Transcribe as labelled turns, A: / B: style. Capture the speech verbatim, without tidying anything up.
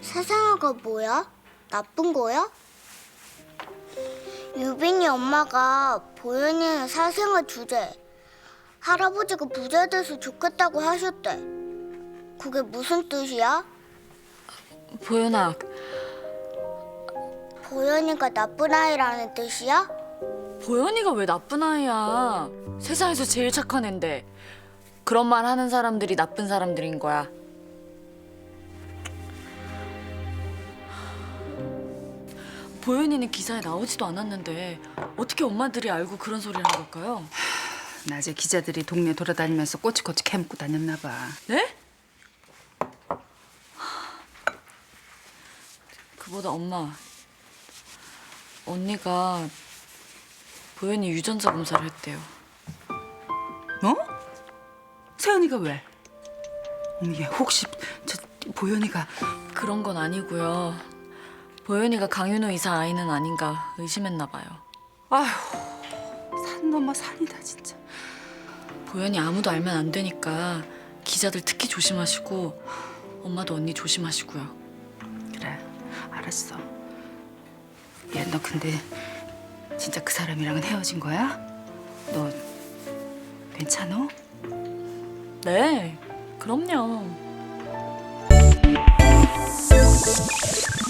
A: 사상아가 뭐야? 나쁜 거야? 유빈이 엄마가 보현이는 사생아 주제. 할아버지가 부자 돼서 좋겠다고 하셨대. 그게 무슨 뜻이야?
B: 보현아,
A: 보현이가 나쁜 아이라는 뜻이야?
B: 보현이가 왜 나쁜 아이야? 세상에서 제일 착한 앤데. 그런 말 하는 사람들이 나쁜 사람들인 거야. 보현이는 기사에 나오지도 않았는데 어떻게 엄마들이 알고 그런 소리를 한 걸까요?
C: 낮에 기자들이 동네 돌아다니면서 꼬치꼬치 캐묻고 다녔나 봐.
B: 네? 그보다 엄마, 언니가 보현이 유전자 검사를 했대요.
C: 뭐? 세연이가 왜? 어머, 얘 혹시 저 보현이가
B: 그런 건 아니고요. 보현이가 강윤호 이사 아이는 아닌가 의심했나 봐요.
C: 아휴, 산 넘어 산이다 진짜.
B: 보현이 아무도 알면 안 되니까 기자들 특히 조심하시고 엄마도 언니 조심하시고요.
C: 그래, 알았어. 얘 너 근데 진짜 그 사람이랑은 헤어진 거야? 너 괜찮어?
B: 네, 그럼요.